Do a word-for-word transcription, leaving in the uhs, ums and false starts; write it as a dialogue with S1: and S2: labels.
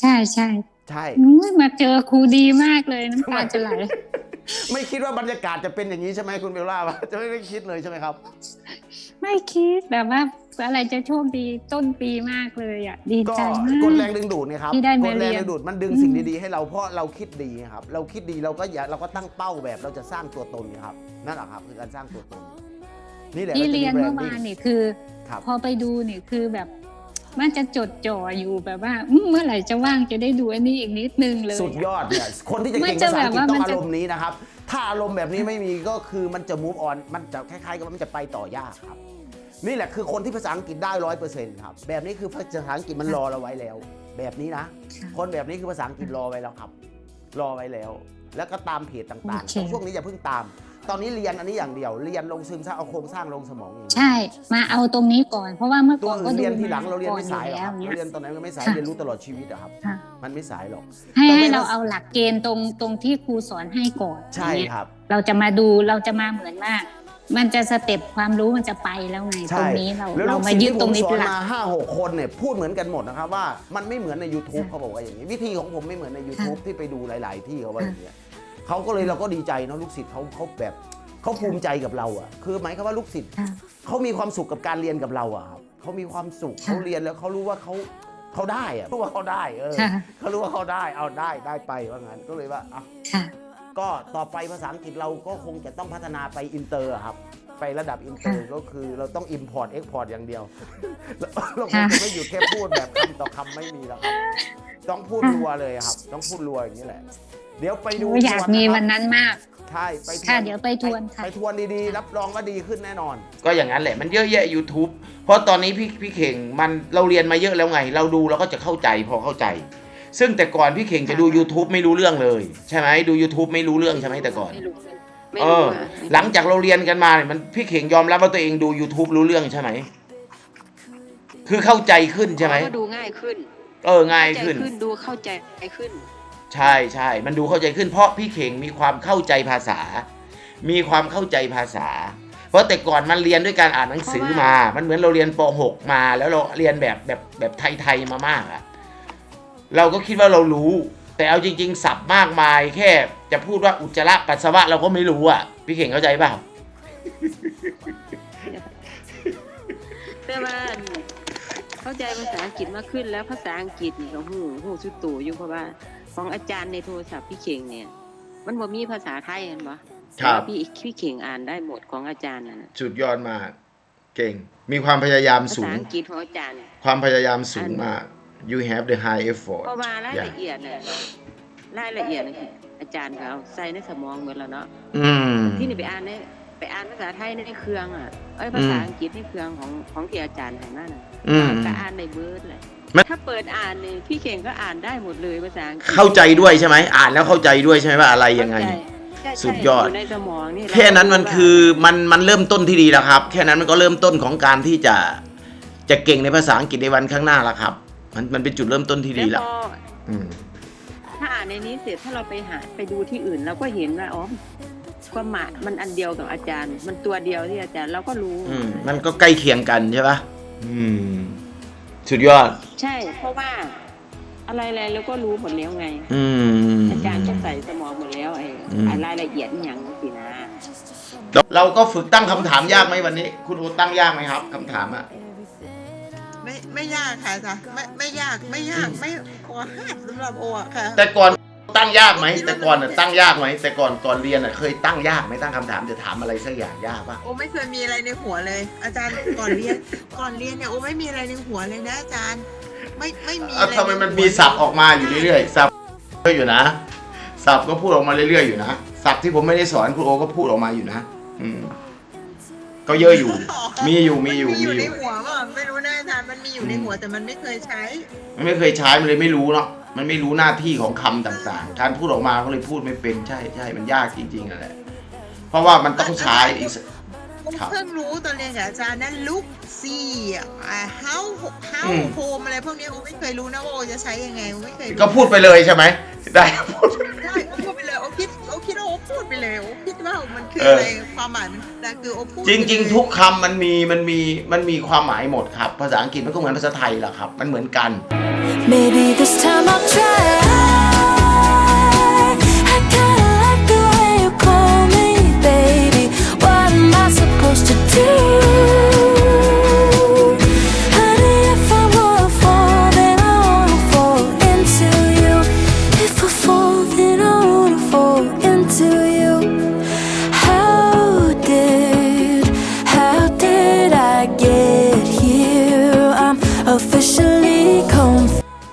S1: ช่ใช่
S2: ใช่
S1: มาเจอครูดีมากเลยน้ำตาจะไหล
S2: ไม่คิดว่าบรรยากาศจะเป็นอย่างนี้ใช่ไหมคุณเบลล่าจะไม่ได้คิดเลยใช่ไหมครับ
S1: ไม่คิดแบบว่าอะไรจะโชคดีต้นปีมากเลยอ่ะดีใจมาก
S2: กดแรงดึงดูดเนี่ยครับ
S1: ที่ได้
S2: กดแรง
S1: มาเรียน
S2: ดึงดูดมันดึงสิ่งดีๆให้เราเพราะเราคิดดีครับเราคิดดีเราก็อย่าเราก็ตั้งเป้าแบบเราจะสร้างตัวตนครับนั่นแหละครับคือการสร้างตัวตนนี่แหละ
S1: ที่เรียนเมื่อวานนี่คือ
S2: ครับ
S1: พอไปดูนี่คือแบบมันจะจดจ่ออยู่แบบว่าเมื่อไหร่จะว่างจะได้ดูอันนี้อีกนิดนึงเลย
S2: สุดยอดเนี่ยคนที่จะเก่งภาษาอังกฤษต้องอารมณ์นี้นะครับถ้าอารมณ์แบบนี้ไม่มีก็คือมันจะ move on มันจะคล้ายๆกับมันจะไปต่อยากครับนี่แหละคือคนที่ภาษาอังกฤษได้ร้อยเปอร์เซ็นต์ครับแบบนี้คือภาษาอังกฤษมันรอเราไว้แล้ว แบบนี้นะคนแบบนี้คือภาษาอังกฤษรอไว้แล้วครับรอไว้แล้วแล้วก็ตามเพจต่างๆช่วงนี้อย่าเพิ่งตามตอนนี้เรียนอันนี้อย่างเดียวเรียนลงซึมซาบเอาโครงสร้างลงสมองอย่าง
S1: ใช่มาเอาตรงนี้ก่อนเพราะว่าเมื่อก่อนก็
S2: เรียนทีหลังเราเรียนไม่สายหรอกครับเราเรียนตอนไหนก็ไม่สายเรียนรู้ตลอดชีวิตอะครับมันไม่สายหรอก
S1: ให้ให้เราเอาหลักเกณฑ์ตรงตรงที่ครูสอนให้ก่อน
S2: ใช่ครับ
S1: เราจะมาดูเราจะมาเหมือนว่ามันจะสเต็ปความรู้มันจะไปแล้วไงตรงนี้เราเรามายึดตรงนี้เป็นหลัก
S2: มาห้าหกคนเนี่ยพูดเหมือนกันหมดนะครับว่ามันไม่เหมือนใน YouTube เขาบอกว่าอย่างนี้วิธีของผมไม่เหมือนใน YouTube ที่ไปดูหลายๆที่เขาว่าอย่างนี้เขาก็เลยเราก็ดีใจเนาะลูกศิษย์เขาเขาแบบเขาภูมิใจกับเราอ่ะคือหมายความว่าลูกศิษย์เขามีความสุขกับการเรียนกับเราอ่ะครับเขามีความสุขเขาเรียนแล้วเขารู้ว่าเขาเขาได้อ่ะรู้ว่าเขาได้เออเขารู้ว่าเขาได้เอาได้ได้ไปว่างั้นก็เลยว่าอ่ะก็ต่อไปภาษาอังกฤษเราก็คงจะต้องพัฒนาไปอินเตอร์ครับไประดับอินเตอร์ก็คือเราต้อง import export อย่างเดียวเราคงจะไม่หยุดแค่พูดแบบคำต่อคำไม่มีแล้วครับต้องพูดรัวเลยครับต้องพูดรัวอย่างนี้แหละเดี๋ยวไปดู
S1: อยากมีวันนั้นมาก
S2: ใช่ไป
S1: ค่ะเดี๋ยวไปทวนค่ะ
S2: ไปทวนดีๆรับรองว่าดีขึ้นแน่นอน
S3: ก็อย่างนั้นแหละมันเยอะแยะ YouTube เพราะตอนนี้พี่พี่เข่งมันเราเรียนมาเยอะแล้วไงเราดูเราก็จะเข้าใจพอเข้าใจซึ่งแต่ก่อนพี่เข่งจะดู YouTube ไม่รู้เรื่องเลยใช่ไหมดู YouTube ไม่รู้เรื่องใช่ไหมแต่ก่อนเออหลังจากเราเรียนกันมาเนี่ยมันพี่เข่งยอมรับว่าตัวเองดู YouTube รู้เรื่องใช่ไหมคือเข้าใจขึ้นใช่ไหม
S4: ก็ดูง่ายขึ้น
S3: เออง่ายขึ้น
S4: ดูเข้าใจขึ้น
S3: ใช่ใช่มันดูเข้าใจขึ้นเพราะพี่เข่งมีความเข้าใจภาษามีความเข้าใจภาษาเพราะแต่ก่อนมันเรียนด้วยการอ่านหนังสือมามันเหมือนเราเรียนป หก มาแล้วเราเรียนแบบแบบแบบไทยๆมามากอะเราก็คิดว่าเรารู้แต่เอาจริงๆศัพท์มากมายแค่จะพูดว่าอุจจาระปัสสาวะเราก็ไม่รู้อ่ะพี่เข่งเข้าใจเปล่า
S4: แต่ว่าเข้าใจภาษาอังกฤษมากขึ้นแล้วภาษาอังกฤษนี่ก็หูหูสุดโต่งอยู่เพราะว่าของอาจารย์ในโทรศัพท์พี่เข่งเนี่ยมันบ่มีภาษาไทยเห็นปะ
S3: ครับ
S4: พี่พี่เข่งอ่านได้หมดของอาจารย์น่ะ
S3: สุดยอดมากเก่งมีความพยายามสูง
S4: ภาษาอังกฤษของอาจารย์
S3: ความพยายามสูงมาก you have the high effort
S4: เพราะว่ารายละเอียดเนี่ยรายละเอียดอาจารย์เขาใส่ในสมองหมดแล้วเนาะที่นี่ไปอ่านเนี่ยไปอ่านภาษาไทยในเครื่องอ่ะเอ้ยภาษาอังกฤษในเครื่องของของที่อาจารย์ให้มาน่ะก็อ่านในเบิร์ดเลยถ้าเปิดอ่านเนี่ยพี่เข่งก็อ่านได้หมดเลยภาษาอังกฤษ
S3: เข้าใจด้วยใช่ไหมอ่านแล้วเข้าใจด้วยใช่ไหมว่าอะไรยังไงสุดยอดแค่นั้นมันคือมันมันเริ่มต้นที่ดีแล้วครับแค่นั้นมันก็เริ่มต้นของการที่จะจะเก่งในภาษาอังกฤษในวันข้างหน้าแล้วครับมันมันเป็นจุดเริ่มต้นที่ดีแล้ว
S4: ถ้าอ่านในนี้เสร็จถ้าเราไปหาไปดูที่อื่นเราก็เห็นว่าอ๋อความหมายมันอันเดียวกับอาจารย์มันตัวเดียวที่อาจารย์เราก็รู้
S3: อืมมันก็ใกล้เคียงกันใช่ปะอืมสุดยอด
S4: ใช่เพราะว่าอะไรๆเราก็รู้หมดแล้วไง
S3: อืม
S4: อาจารย์ก็ใส่สมองหมดแล้วไอ้รายละเอียดอย่างสินะ
S3: เราก็ฝึกตั้งคำถามยากไหมวันนี้คุณโอตั้งยากไหมครับคำถามอะ
S5: ไม่ไม่ยากค่ะจ้ะไม่ไม่ยากไม่ยากไม่ขอห้าสำหรับโออะค่ะ
S3: แต่ก่อนตั้งยากไหมแต่ก่อนตั้งยากไหมแต่ก่อนก่อนเรียนเคยตั้งยากไหมตั้งคำถามจะถามอะไรสักอย่างยากปะ
S5: โอไม่เคยมีอะไรในหัวเลย อาจารย์ก่อนเรียนก่อนเรียนเนี่ยโอไม่มีอะไรในหัวเลยนะอาจารย์ไม่ไม่มีอะไร
S3: ทำไมมันมีศัพท์ออกมาอยู่เรื่อยๆศัพท์ก็อยู่นะศัพท์ก็พูดออกมาเรื่อยๆอยู่นะศัพท์ที่ผมไม่ได้สอนคุณโอก็พูดออกมาอยู่นะอืมก็เยอะอยู่มีอยู่มีอยู่
S5: มีอยู่ในหัวว่าไม่รู้นะอาจารย์มันมีอยู่ในหัวแต่มันไม่เคยใช้
S3: มันไม่เคยใช้มันเลยไม่รู้เนาะมันไม่รู้หน้าที่ของคำต่างๆการพูดออกมาก็เลยพูดไม่เป็นใช่ใช่มันยากจริงๆนั่นแหละเพราะว่ามันต้องใช้อีก
S5: เพิ่งรู้ตอนเรียนกับอาจารย์นั้นลุกซีอ่า how how home อะไรพวกนี้โอไม่เคยรู้นะว่าโอจะใช้ยังไงโอไม่เคย
S3: ก็พูดไปเลยใช่ไหมได้พูด
S5: ได้พูดไปเลยโอคิดโอคิดว่าโอพูดไปเลยโอคิดว่ามันคืออะไรความหมายมันคือโอพูด
S3: จริงๆทุกคำมันมีมันมีมันมีความหมายหมดครับภาษาอังกฤษมันก็เหมือนภาษาไทยแหละครับมันเหมือนกัน Maybe this time